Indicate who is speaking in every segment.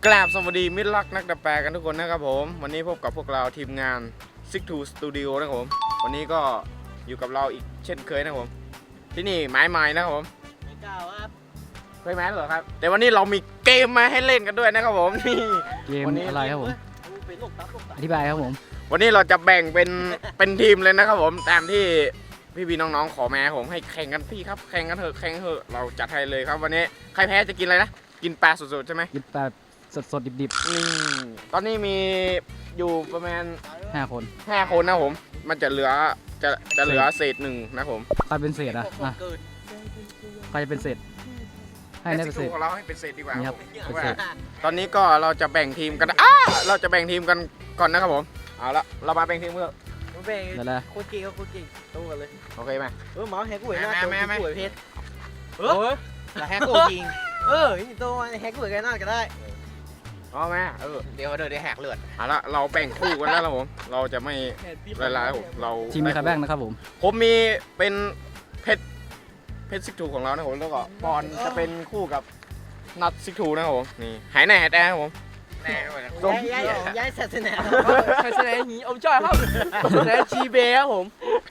Speaker 1: กราบสวัสดีมิตรรักนักดับแปลกันทุกคนนะครับผมวันนี้พบกับพวกเราทีมงาน Six2 Studio นะครับผมวันนี้ก็อยู่กับเราอีกเช่นเคยนะครับผมที่นี่ไม้ไม้นะครับผม
Speaker 2: ไม่กล้าครับ
Speaker 1: เคยไม้เหรอครับแต่วันนี้เรามีเกมมาให้เล่นกันด้วยนะครับผมนี่
Speaker 3: เกมอะไรครับผมอธิบายครับผม
Speaker 1: วันนี้เราจะแบ่งเป็นทีมเลยนะครับผมตามที่พี่น้องๆขอมาผมให้แข่งกันพี่ครับแข่งกันเถอะเราจัดให้เลยครับวันนี้ใครแพ้จะกินอะไรนะกินปลาสดๆใช่ไหม
Speaker 3: กินปลาสดดิบ
Speaker 1: นี่ตอนนี้มีอยู่ประมาณ
Speaker 3: 5 คน
Speaker 1: นะผมมันจะเหลือเศษหนึ่งนะผม
Speaker 3: ใครเป็นเศษอ่ะใครจะเป็นเศษให้ได้เป็นเศษ
Speaker 1: ของเราให้เป็นเศษดีกว่า
Speaker 3: ครับ
Speaker 1: ตอนนี้ก็เราจะแบ่งทีมกันเราจะแบ่งทีมกันก่อนนะครับผมเอาละเรามาแบ่งทีมเพื่อ
Speaker 2: แบ่งโคตรเก่งโคตรเก่งตู้กันเลย
Speaker 1: โอเคไหม
Speaker 2: หมาแฮกกูเห็นหน้าตัวกูเห็นเพชรแต่แฮกกูจริงนี่ตัวแฮกกูเห็นหน้าก็ได้
Speaker 1: อ๋อแม่
Speaker 2: เดี๋ยวได้แหกเลือด
Speaker 1: เอาละเราแบ่งคู่กันแล้วครับผมเราจะไม่ลายผมเรา
Speaker 3: ทีมมีใครแบ่งนะครับ
Speaker 1: ผมมีเป็นเพชรซิกทูของเรานะผมแล้วก็ปอนจะเป็นคู่กับนัดซิกทูนะครับผมนี่หายแน่แน่ครับผม
Speaker 2: แน่ด้วยย้ายศาสนา
Speaker 4: ศาสนาหีอมจ้อยครับศาสนาจีเบครับผม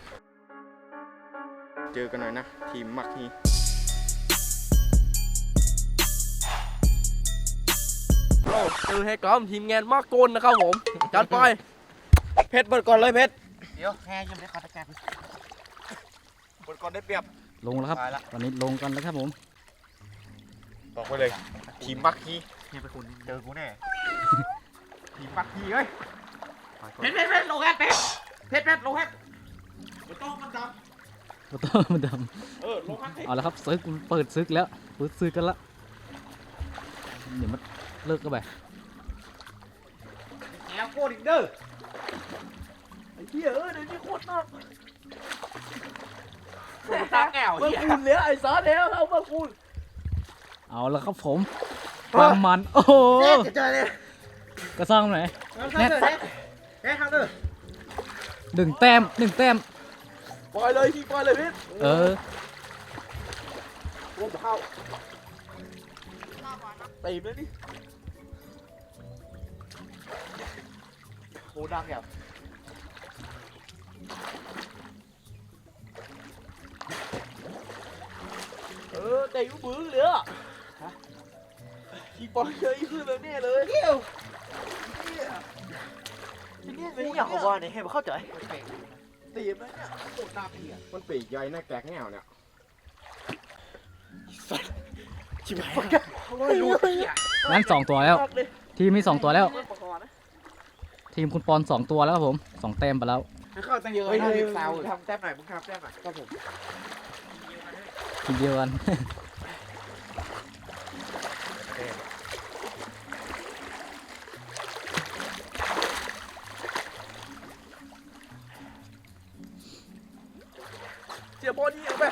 Speaker 1: เจอกันหน่อยนะทีมมักฮี
Speaker 4: เจอให้กล้อมทีมงานมากโกนนะครับผมจัดไป
Speaker 1: เพชรเปิดก่อนเลยเพชร
Speaker 2: เดี๋ยวแค่ยังไม่ได้ขอตะแกรง
Speaker 1: เปิดก่อนได้เปรียบ
Speaker 3: ลงแล้วครับตอนนี้ลงกันแล้วครับผม
Speaker 1: บอกไปเลยทีมมักฮี
Speaker 2: เนี่ยไปคุณเจอกูแน่
Speaker 1: ทีมมักฮีเฮ้ย
Speaker 2: เพชรลงแฮกเพชรลงแฮก
Speaker 1: มันต้องมันดำ
Speaker 3: ลงแฮกเอาแล้วครับซึกเปิดซึกแล้วเปิดซึกกันละเดี๋ยวมันเลิกกันไป
Speaker 2: แอบโคตรอีกเด้อ
Speaker 4: ไอ้เหี้ยเดี๋ยวนี้โคตรนอก
Speaker 2: ตาแก้ว
Speaker 4: เมื่อคุณเลี้ยไอ้ซอสแล้วเอาเมื่อคุณ
Speaker 3: เอาแล้วครับผมความมันโอ้โห
Speaker 2: จะเจอเลย
Speaker 3: กระซ่องไหน
Speaker 2: แน่ทางเด้อ
Speaker 3: 1 แต้ม
Speaker 4: ปล่อยเลยพี่ปล่อยเลยพี่
Speaker 2: รวมเข้า
Speaker 4: ตีเลยดิ
Speaker 2: โหดังแบบ
Speaker 4: แต่ยุ่งบื้อเลยอ่ะพี่ปล่อยเลยคือแบบนี้เลย
Speaker 2: เกี่ยวที่นี่เป็นอย่างของบอลเนี่ยให้มาเข้าใจ
Speaker 4: ตีไหมเนี่ยโคตรน่าเปียก
Speaker 1: มันปีกใหญ่หน้าแกกแง่วเนี่ย
Speaker 4: ชิบหายกัน
Speaker 3: งั้น2 ตัวแล้วทีมมี2 ตัวแล้วทีมคุณปอน2 ตัวแล้วครับผม2 แต้มไปแล้ว
Speaker 2: เข้าตั้งเยอะนะทีมสาวทำแต้มหน่อยมึงทำแต้มหน่อยครับผม
Speaker 3: ทีมเดียวกัน
Speaker 4: เสียบอลนี่เอาไป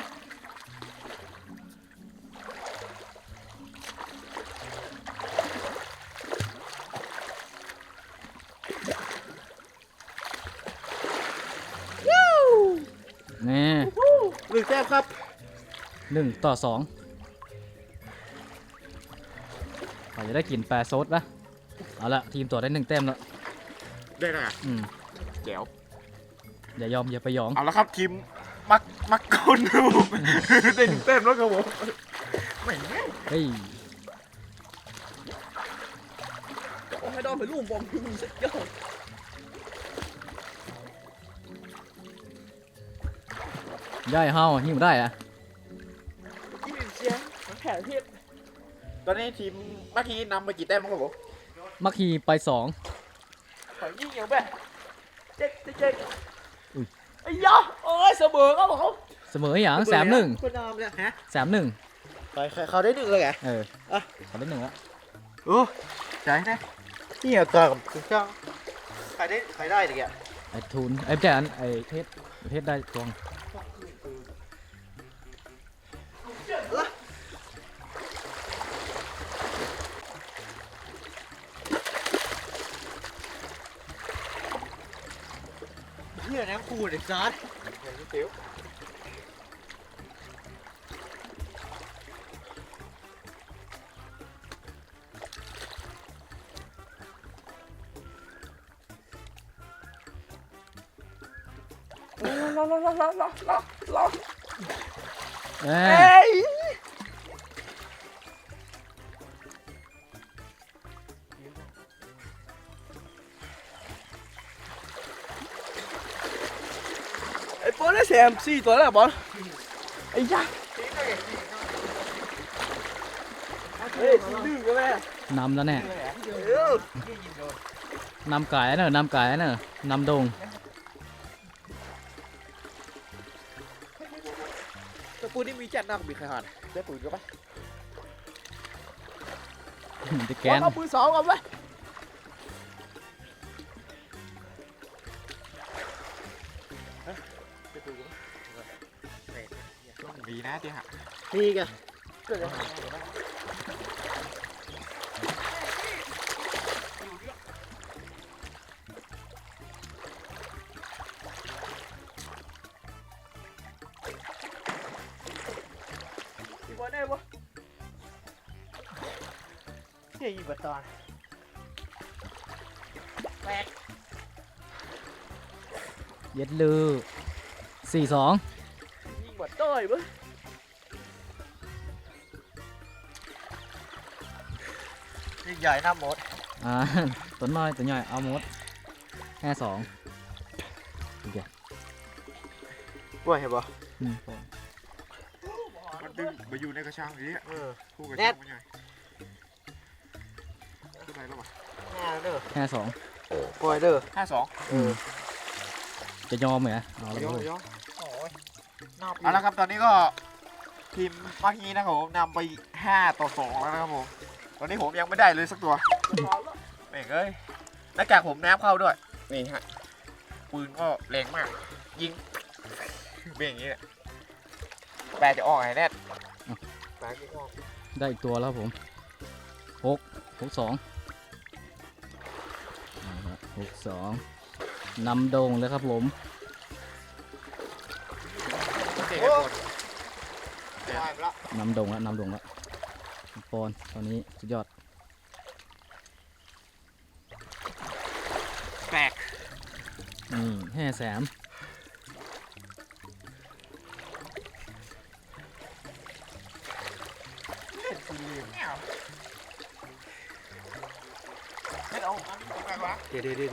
Speaker 3: นี่
Speaker 4: 1 แต้มครับ
Speaker 3: 1-2เราจะได้กินปลาซดปะเอาละทีมตัวได้1 แต้มแล้ว
Speaker 1: ได้แล้วแจ๋ว
Speaker 3: อย่าไปยอง
Speaker 1: เอาละครับทีมมักคนดูได้1 แต้มแล้วครับผมไม่
Speaker 3: เฮ้ย
Speaker 4: โอ้ให้ดอมไปลูกบอลพี่มึงเสร็จยอด
Speaker 3: ย่ายเฮาหิ้วได้อะ
Speaker 4: ยี่สิบเชียงแผลเพชร
Speaker 1: ตอนนี้ทีมมักฮีนำไปกี่แต้มครับผม
Speaker 3: มักฮีไป2
Speaker 4: ขอยิ่งอย่างแบบเจ๊กไอ้ยะโอ้ยเสมอครับผม
Speaker 3: เสมออย่าง3-1
Speaker 2: คนนอมเลยฮะ
Speaker 3: 3-1
Speaker 2: เขาได้1เลยไง
Speaker 3: เขาได้1แล้ว
Speaker 2: ใจนะนี่เหรอกับคุณเจ้าใครได้ดิแก
Speaker 3: ไอ้ทุนไอ้แจนไอ้เพชรได้ตวง
Speaker 2: เฮียน้ำคูดไอ้ซอส
Speaker 3: เอ้
Speaker 4: เอ้
Speaker 3: ย
Speaker 4: ยไอ้บอลได้แซม4ตัวแล้วบอลไอ้ยะเฮ้ยสีดื้อกันแม่
Speaker 3: นำแล้วแน่
Speaker 4: เออน
Speaker 3: ำไก่เนอะนำไก่เนอะนำดง
Speaker 2: ตะปูนี่มีจัดนักบีใครหัน
Speaker 1: ได้ปืนก็ปะ
Speaker 3: จะแก
Speaker 4: บอล
Speaker 3: น
Speaker 4: เอาปืน2ก่อนไป
Speaker 1: มีนะที่หัก
Speaker 2: นี่กัน
Speaker 4: พี่บอลได้ปะ
Speaker 2: เฮียยิงบัตร
Speaker 3: เย็ดลือ4-2
Speaker 4: ยิงบอลต้อยปะ
Speaker 2: ยิงใหญ่หน้าหมด
Speaker 3: อ่า ตัวน้อยตัวใหญ่เอาหมด5-2โอเค
Speaker 2: ป่วยเห็นปะ
Speaker 1: มันดึงไปอยู่ในกระชังนี้
Speaker 2: เออ
Speaker 1: คู่กระ
Speaker 2: แน่
Speaker 1: ชังมันใหญ่ขึ้นไปแล้วปะ
Speaker 2: แน่เด้อ
Speaker 3: 5-2
Speaker 2: ป่วยเด้อ
Speaker 3: จะยอมไหมเอาเลย
Speaker 1: ย่อ
Speaker 3: เว้ย
Speaker 1: ย่อ
Speaker 2: โอ้ยนอก
Speaker 1: เอาละครับตอนนี้ก็ทีมเมื่อกี้นะครับผมนำไป5-2แล้วนะครับผมตอนนี้ผมยังไม่ได้เลยสักตัวแม่งเอ้ยแล้วจากผมน้ำเข้าด้วยนี่ฮะปืนก็แรงมาก ยิงเป็นอย่างนี้แหละแปลจะออกไงแน่แปลจะออก
Speaker 3: ได้อีกตัวแล้วครับผม6-26-2นำดงเลยครับผม
Speaker 1: เก่งกันหมด
Speaker 3: นำดงแล้วนำดงแล้วปอนตอนนี้สุดยอด
Speaker 1: แปลก
Speaker 3: นี่5-3
Speaker 1: ไม่เอาอันนี้ของใครวะ
Speaker 2: เดี๋ยว
Speaker 3: เห็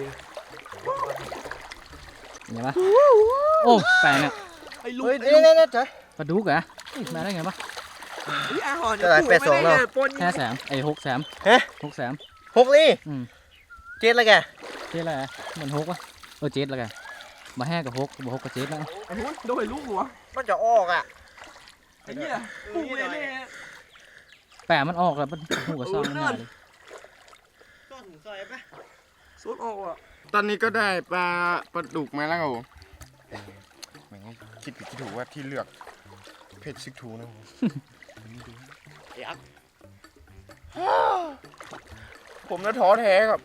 Speaker 3: นปะโอ้แปลกเนี่ย
Speaker 4: ไอ้ลูก
Speaker 2: เฮ้ยนี่จ้ะ
Speaker 3: ปลาดุกเหรอมาได้ไงปะ
Speaker 4: ไอ้อาหอน
Speaker 2: จะได้8-2แล้ว
Speaker 4: ปน
Speaker 3: 5-3ไอ้6-3
Speaker 2: ฮะ
Speaker 3: 6-3
Speaker 2: 6ลี่
Speaker 3: อืม
Speaker 2: เจ็ดแล้วแก
Speaker 3: เจ๊อะไรอะเหมือน6วะเจ๊แล้วกันมา5กับ6บ่6กับ7แล้ว
Speaker 4: ไอ้หุ้นโดนลูกหัว
Speaker 2: มันจะออกอ่ะ
Speaker 4: ไอ้เหี้ยปูเลยเนี่ย
Speaker 3: แปะมันออกแล้วมันหูกับซ่องมันหนาเลย
Speaker 2: ต้นซอยปะ
Speaker 4: สุดออกอ่ะ
Speaker 1: ตอนนี้ก็ได้ปลาดุกมาแล้วครับผมเหมือนคิดผิดคิดถูกว่าที่เลือกเพจซิกทูนะผม
Speaker 2: ยักษ์
Speaker 1: ผมน่ะท้อแท้ครับ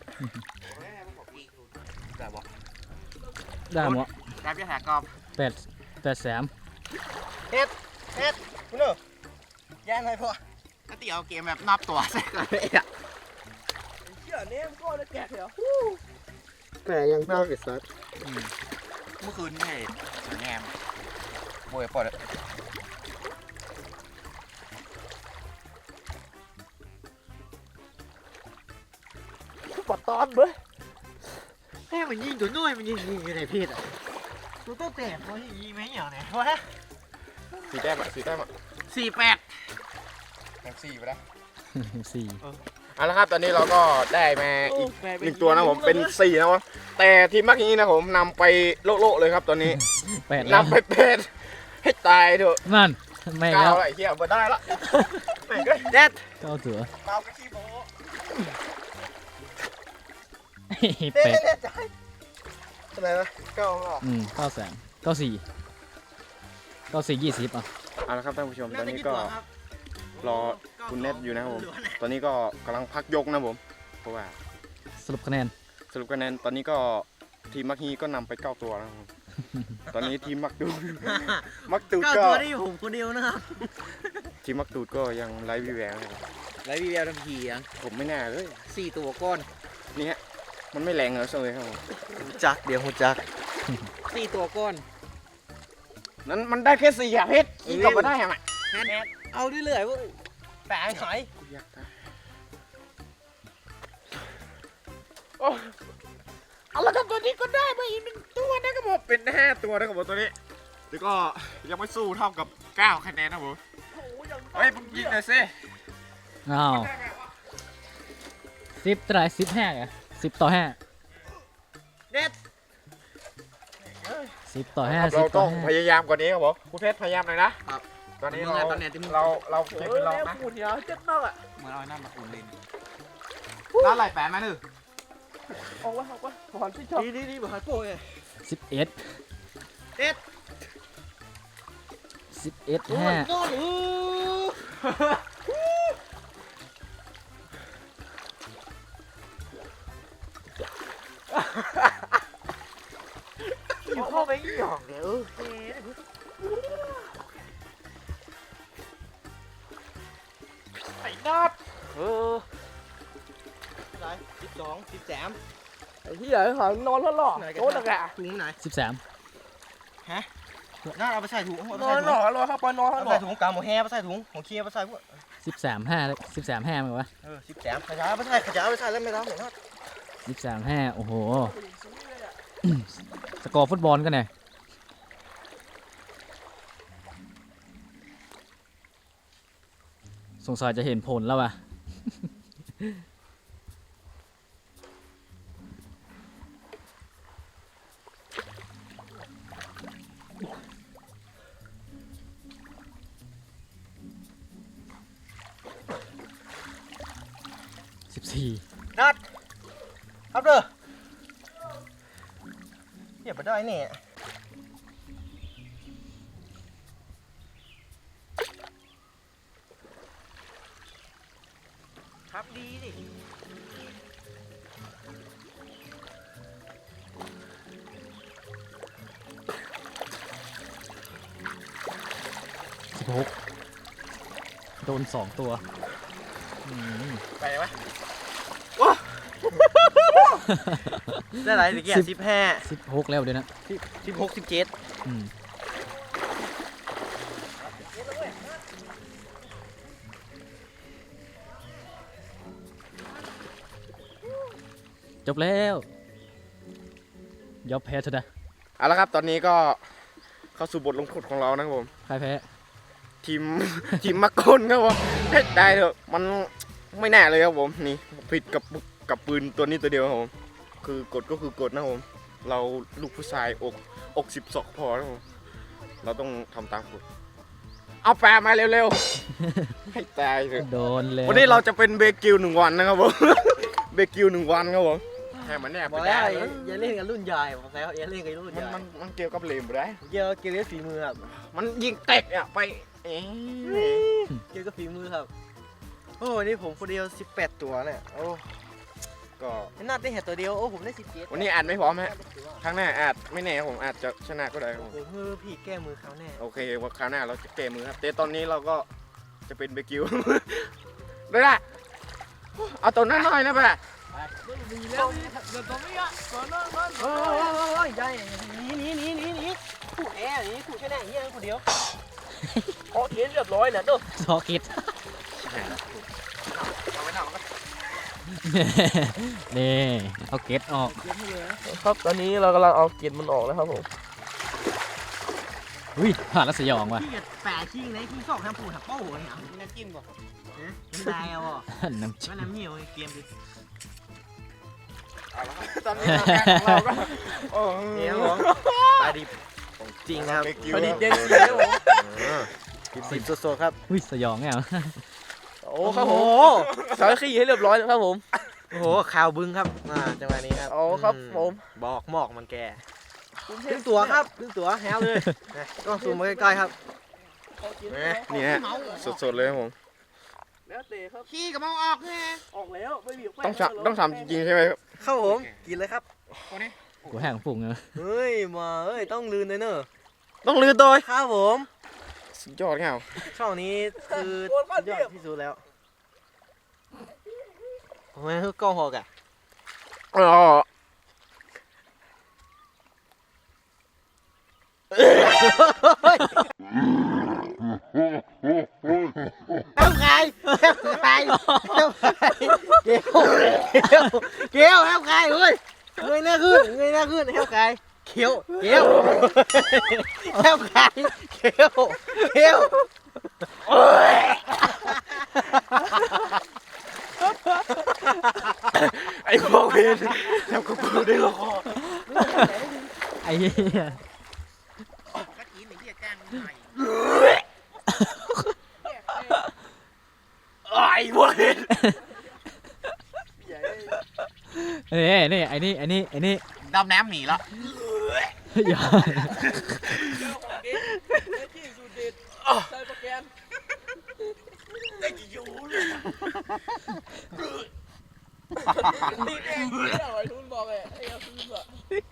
Speaker 2: แต่บอก
Speaker 3: ได้หมด
Speaker 1: การพิจารณากรอบ
Speaker 3: 8-3
Speaker 2: คุณเนอะย่างไงพ่อ
Speaker 1: ถ้าตีเอาเกมแบบนับตัวใส่กันเลยอ่ะ
Speaker 4: ไอ้เหี้ยเนี่ยมันก็เลยแกะเหรอ
Speaker 2: แต่ยังน่าเกิดซัด
Speaker 1: เมื่อคืนนี่แงมโวยปอด
Speaker 4: ปอดตอนเบ้ย
Speaker 2: แม่มันยิงตัวน้อยมันยิงอยู่ในเพศอ่ะตัวโตแต่ตัวยิงไหมอย่างไหนวะ
Speaker 1: 4 แต้มอ่ะ4 แต้มอ่ะ
Speaker 2: 48
Speaker 1: แต้ม4ไปแล้ว
Speaker 3: 4
Speaker 1: เอาละครับตอนนี้เราก็ได้มาอีก1ตัวนะผมเป็น4นะวะแต่ทีมเมื่อกี้นะผมนำไปโละๆเลยครับตอนนี้
Speaker 3: 8แล้ว
Speaker 1: นำไปเป็ดให้ตายเถอะ
Speaker 3: นั่นไม่
Speaker 1: ก้า
Speaker 3: แล้ว ว
Speaker 1: อะไรเฮียมาได้ละแม่งก็
Speaker 2: แดด
Speaker 3: เก้าตัว
Speaker 1: เมากระชีโบ
Speaker 3: เป็ด
Speaker 2: ใจอะไรนะ9อ่ะ
Speaker 3: 9-3 9-4 20อ่ะ
Speaker 1: เอาละครับท่านผู้ชมตอนนี้ก็รอคุณเน็ตอยู่นะครับผมตอนนี้ก็กำลังพักยกนะผมเพราะว่า
Speaker 3: สรุปคะแนน
Speaker 1: สรุปคะแนนตอนนี้ก็ทีมมักฮีก็นำไป9 ตัวแล้วครับผมตอนนี้ทีมมักดูดมักตูด
Speaker 2: 9
Speaker 1: ก็
Speaker 2: ตัวนี่ผมคนเดียวนะครับ
Speaker 1: ทีมมักตูดก็ยังไร้วิแววนะครับ
Speaker 2: ไรวีแววทันทีอ่ะ
Speaker 1: ผมไม่น่าเลย
Speaker 2: 4 ตัวก้อน
Speaker 1: นี่ฮะมันไม่แรงเหรอเลยครับผม
Speaker 2: จักเดี๋ยวหูจัก4 ตัวก้อน
Speaker 1: นั้นมันได้แค่4อะเพชรอีกก็มาได้ยังไง
Speaker 2: เอาเรื่อยๆว่าแปะหน่อย
Speaker 1: เอาละครับตัวนี้ก็ได้มาอีก1ตัวนะครับผมเป็น5ตัวนะครับผมตัวนี้แล้วก็ยังไม่สู้เท่ากับ9คะแนนนะผมเฮ้ยมึงยิงหน่อยสิ
Speaker 3: อ้าว10 เท่าไหร่15อ่ะ10 ต่อ 5
Speaker 2: เด็ด
Speaker 3: 10 ต่อ 5
Speaker 1: เรา
Speaker 3: 10 ต่
Speaker 1: ต้
Speaker 3: อ
Speaker 1: องพยายามกว่านี้ครับผมคุณเพชรพยายามหน่อยนะตอนนี้เราเก็บเป็นรองนะ
Speaker 4: พูดเนี่ยเจ็บมากอ่ะ
Speaker 2: เหมือนเอาหน้ามาอุ่นเลย
Speaker 1: ร้านไหลแปะมาหนึ่ง
Speaker 4: ออกวะถอนที่ชอบ
Speaker 2: ดีบอกให้โป้ย
Speaker 3: 11
Speaker 2: เด็ด
Speaker 3: 11
Speaker 2: โอ้ย
Speaker 3: 5
Speaker 2: โดนอยู่เข้าไปหยอกเดี๋ยว
Speaker 1: ไอ้นัด
Speaker 2: อะไร12 13
Speaker 4: ไอ้เหี้ยหานอนแล้วหรอโต๊ะตะกะ
Speaker 2: ถุงไหน
Speaker 3: 13
Speaker 2: น่าเอาไปใส่ถุง
Speaker 4: นอนหรอรอเข้าไปนอน
Speaker 2: เอา
Speaker 4: หร
Speaker 2: ใส่
Speaker 4: อ
Speaker 2: ถุงกาวหมูแฮไปใส่ถุงของเคียไปใส่พวก
Speaker 3: 13 5 13 5มั้ยวะ
Speaker 2: 13ขยายไปใส่แล้วไม่รับเห็นไหม
Speaker 3: 13 5โอ้โห สกอร์ฟุตบอลกันไงสงสัยจะเห็นผลแล้วว่ะ 14
Speaker 2: นัดครับเด้อเดี๋ยวไปได้เนี่ยครับดีดิ
Speaker 3: 16 โดน 2 ตัวอืม
Speaker 1: ไปไหม
Speaker 2: ได้ไรตะเกียบ
Speaker 3: 16 แล้วเดี๋ยวนะ
Speaker 2: 16 17
Speaker 3: อืมจบแล้วยอมแพ้เถอะนะ
Speaker 1: เอาละครับตอนนี้ก็เข้าสู่บทลงโทษของเรานะครับผม
Speaker 3: ใครแพ้
Speaker 1: ทีม ทีมมักกลครับผมเฮ้ยได้เถอะมันไม่แน่เลยครับผมนี่ผิดกับปืนตัวนี้ตัวเดียวครับผมคือกฎก็คือกฎนะครับผมเราลูกผู้ชายอก12พอนะครับผมเราต้องทำตามกฎเอาแปลมาเร็วๆ ให้ตายเถอะ
Speaker 3: โดนเลย
Speaker 1: วันนี้เราจะเป็นเบกิว1 วันนะครับผม เบกิว1 วันครับผมแค่มันแน่
Speaker 2: บ
Speaker 1: ไป
Speaker 2: อก
Speaker 1: ได้
Speaker 2: แล้วอย่าเล่นกับรุ่นใหญ่บอกแล้วอย่าเล่นกับรุ่นใหญ่
Speaker 1: มันเกี่ยวกับเลมบ่ได้
Speaker 2: เกี่ยวกับเกมฝีมือครับ
Speaker 1: มันยิงเตะอะไปเอ๊ะ
Speaker 2: เกี่ยวกับฝีมือครับโอ้วันนี้ผมคนเดียว18ตัวเนี่ยโอ้
Speaker 1: ก็
Speaker 2: น่าได้เห็นตัวเดียวโอ้ผมได้17
Speaker 1: วันนี้อาจไม่พร้อมฮะครั้งหน้าอาจไม่แน่ครับผมอาจจะชนะก็ได้ครับผม
Speaker 2: โอ้โหพี่แก้มือเขาแน่
Speaker 1: โอเคว่าคราวหน้าเราจะเกมมือครับแต่ตอนนี้เราก็จะเป็นเบกิว ได้ละเอาตัวนั้นหน่อยนะแปะ
Speaker 4: มีแล้วเดี๋ยวตรงนี้อ่ะก่อนนอน
Speaker 2: โอ้ยได้หนีขู่แอร์นี่ขู่แค่ไหนเฮียคนเดียว
Speaker 4: ขอเขียนเรียบร้อยเนี่ยเด้อ
Speaker 3: ซอคิด
Speaker 1: เอาไว้หน่อยมันก็
Speaker 3: นี่เอาเกตออก
Speaker 4: ครับตอนนี้เรากำลังเอาเกล็ดมันออกแล้วครับผม
Speaker 3: อุ้ยผ่านแล้วสยองว่ะ
Speaker 2: พี่แปะชิงไหนชิงสองทำปูถักเป้าหัวเนี่ยน้ำจิ้มก่อนน้ำลายเอาอ่ะ
Speaker 3: น้ำจิ้
Speaker 2: ว่าม น้ำเหนียวเกมดิ
Speaker 1: เอาละครับตอนนี้เราแกของเราก็โอ้
Speaker 2: นี่ครับผมปลาดิบจริงครับ
Speaker 1: เบกิว
Speaker 4: พอดีเด่น
Speaker 1: ค
Speaker 4: เล
Speaker 1: รับ
Speaker 4: ยผม
Speaker 2: ดิบสดๆครับ
Speaker 3: อุ้ยสยองไงอ่ะ
Speaker 4: โอ้ครับผมสารขี้ให้เรียบร้อยแล้วครับผม
Speaker 2: โอ้โหข่าวบึ้งครับจังหวะนี้ครับ
Speaker 4: โอ้ครับผม
Speaker 2: บอกหมอกมันแก่ครึ่งตัวครับครึ่งตัวแฮวเลยต้องซูมมาใกล้ๆครับ
Speaker 1: นี่ฮะสดๆเลยครับผม
Speaker 4: แล้วเตะครับ
Speaker 2: ขี้กับมองออกไง
Speaker 4: ออกแล้วไม่มี
Speaker 1: ต้องทำจริงๆใช่ไหมครับ
Speaker 2: ครับผมกินเลยครับ
Speaker 3: กูแห้งฝุ่งเนอะ
Speaker 2: เฮ้ยมาเฮ้ยต้องลืนเลยเนอะ
Speaker 1: ต้องลือตัว
Speaker 2: ครับผม
Speaker 1: สุดยอดเงา
Speaker 2: ช่องนี้คือสุดยอดที่สุดแล้วทำไมคือกล้องหอกอ่ะ
Speaker 1: อ๋อ
Speaker 2: เฮ้ยเกลียวแฮมคายเฮ้ยเงยหน้าขึ้นแฮมคายเขียวแฮมคายเขียว
Speaker 1: ไอ้พวกเวนทำกับกูได้หรอ
Speaker 3: ไอ้เหี้ย
Speaker 2: ก็กินไอ้เหี้ยจ้างหน่อย
Speaker 1: ไอ้พวกเวน
Speaker 3: เอ้ยนี่ไอ้นี่
Speaker 1: ดำน้ำหนีละ
Speaker 3: อย่า
Speaker 4: ใส่โปรแกรม
Speaker 1: ไอ้ยูเลย
Speaker 4: นี่เองที่เอาไอ้ทุนบอกไอ้เอาทุนบอก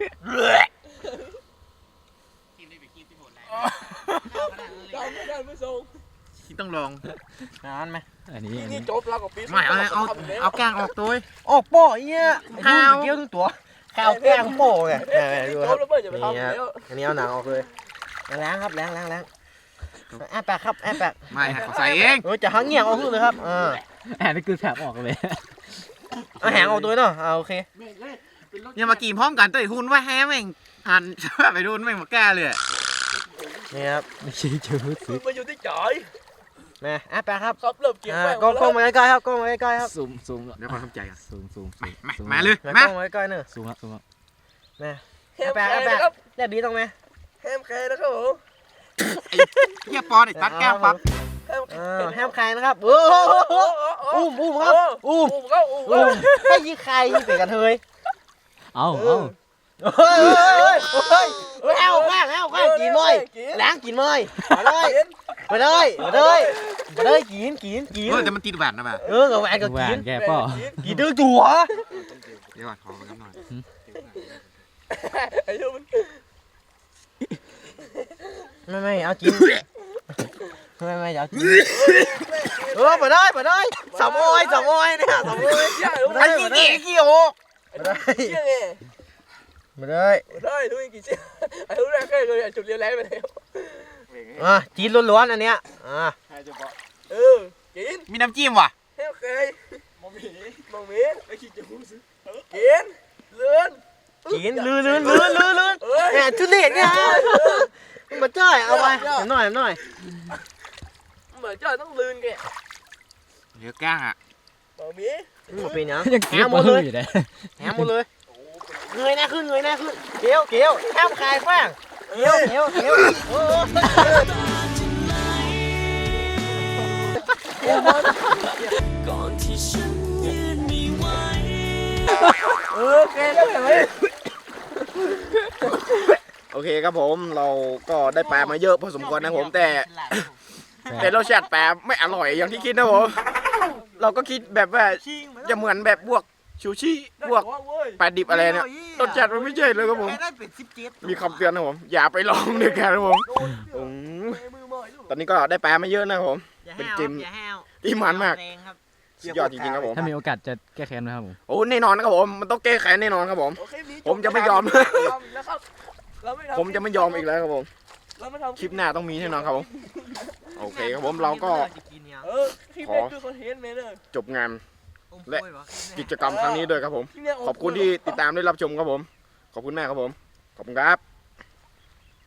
Speaker 2: กินได้ไปกินที่หมดแล้ว
Speaker 4: เราไม่ได้ไม่ส่ง
Speaker 1: ที่ต้องลอง
Speaker 2: นานไหม
Speaker 3: อันนี้
Speaker 4: นี่จบแล้วกับปี
Speaker 1: ไม่เอากลางออกตัว
Speaker 2: ออกโป้เอี้ยข้าวเกี้ยวทั้งตัวข้าวแกงโป้ไงดู
Speaker 4: จ
Speaker 2: ครับ บ
Speaker 4: แล้วเพื่อนจะไปทำแล้ว
Speaker 2: อันนี้เอาหนังออกเลยล้างครับล้างแอบแปกครับแอบแปก
Speaker 1: ไม่เขาใส่เอง
Speaker 2: จะหังเงี่ยงออกเลยครับ
Speaker 3: แอนนี่คือแผลออกเลย
Speaker 2: เอาแหงออกตัวเนาะโอเค
Speaker 1: อย่ามากินพร้อมกันตัวหุ่นว่าแฮแม่งหันไปดูแม่งมาแก้เลย
Speaker 2: นี่ครับ
Speaker 3: ไม่ใช่เจอซื้อ
Speaker 4: มาอยู่ที่จ่อย
Speaker 2: แม่แอบแปกครับ
Speaker 4: ครับเริ่มเก็บแป้ง
Speaker 2: กล้องมาใกล้ๆครับกล้องมาใกล้ๆครับ
Speaker 3: ซูม
Speaker 1: เดี๋ยวความทำใจกัน
Speaker 3: ซูม
Speaker 1: มาเลย
Speaker 2: ก
Speaker 1: มา
Speaker 2: ล้องมาใกล้ๆเนอะ
Speaker 3: ซูมแล้ว
Speaker 2: แม่
Speaker 4: แฮมแคร์นะครับ
Speaker 2: แลบดีตรงไหม
Speaker 4: แฮมแคร์นะครับผม
Speaker 1: เฮียปอนไอ้ตัดแก้วปั๊บ
Speaker 4: แฮมแคร์
Speaker 2: แฮมไข่นะครับโอ้อุ้มครับอุ้ม
Speaker 4: ก็อุ้ม
Speaker 2: ให้ยี่ไข่เป็นกันเทย
Speaker 3: เอา
Speaker 2: เฮ้ยแฮวแข้งกินมั้ยล้างกินมั้ยมาเลยกิน
Speaker 1: เฮ้ยแต่มันติดแหวนนะแบบ
Speaker 2: กับแหวนก็
Speaker 3: แหว
Speaker 2: กิ
Speaker 3: น
Speaker 2: น
Speaker 3: แกป่อ
Speaker 2: กินดื้อจั่ว
Speaker 1: เดี๋ยวก่อนขอกันหน่อย
Speaker 4: ไอ้ยูมัน
Speaker 2: ไม่เอากินไม่เอากินมาได้สามโอยเนี่ยสามโอย
Speaker 4: ใช่รู้ไหม
Speaker 2: ไอ้กี่โอ
Speaker 4: เชี่ยไง
Speaker 2: มาได้
Speaker 4: ได้ดูอีกกี่เชี่ยไอ้รู้แรกเลยจุดเรียนแรงไปแล้ว
Speaker 2: จีนล้วนๆอันเนี้ย
Speaker 4: กิน
Speaker 1: มีน้ำจิ้มว่ะ
Speaker 4: แฮมแคร์มองมีไอ้ขี้จะหูซื้อกินเลื่อน
Speaker 2: กินลื่นเนี่ยทุเรศเนี่ยมาจ้อยเอาไปหน่อย
Speaker 4: เหมือนเจ้าต้องลื่นแก
Speaker 1: เดี๋ยวก้างอ่ะ
Speaker 4: มองมี
Speaker 2: มาเป็นยัง
Speaker 3: ยังเก็บมาอยู่เลย
Speaker 2: แหมหมดเลยเงยหน้าขึ้นเกี้ยวแอบคายฟ้างเกี้ยว
Speaker 4: แกได้ไหม
Speaker 1: โอเคครับผมเราก็ได้ปลามาเยอะพอสมควรนะผมแต่รสชาติปลาไม่อร่อยอย่างที่คิดนะผมเราก็คิดแบบว่าจะเหมือนแบบพวกชูชิพวกปลาดิบอะไรเนี่ยรสชาติมันไม่ใช่เลยครับผม
Speaker 2: ได้เป็น17
Speaker 1: มีคำเตือนนะผมอย่าไปลองด้วยกันนะผมตอนนี้ก็ได้ปลามาเยอะนะครับผมเป็นจิมที่มันมากสุดยอดจริงๆครับผม
Speaker 3: ถ้ามีโอกาสจะแก้แค้นนะครับผม
Speaker 1: โอ้แน่นอนนะครับผมมันต้องแก้ไขแน่นอนครับผม ผมจะไม่ยอม ผมจะไม่ยอมอีกแล้วครับผมคลิปหน้าต้องมีแน่นอนครับผมโอเคครับผมเราก็จบงานและกิจกรรมครั้งนี้ด้วยครับผมขอบคุณที่ติดตามได้รับชมครับผมขอบคุณมากครับผมขอบคุณครับ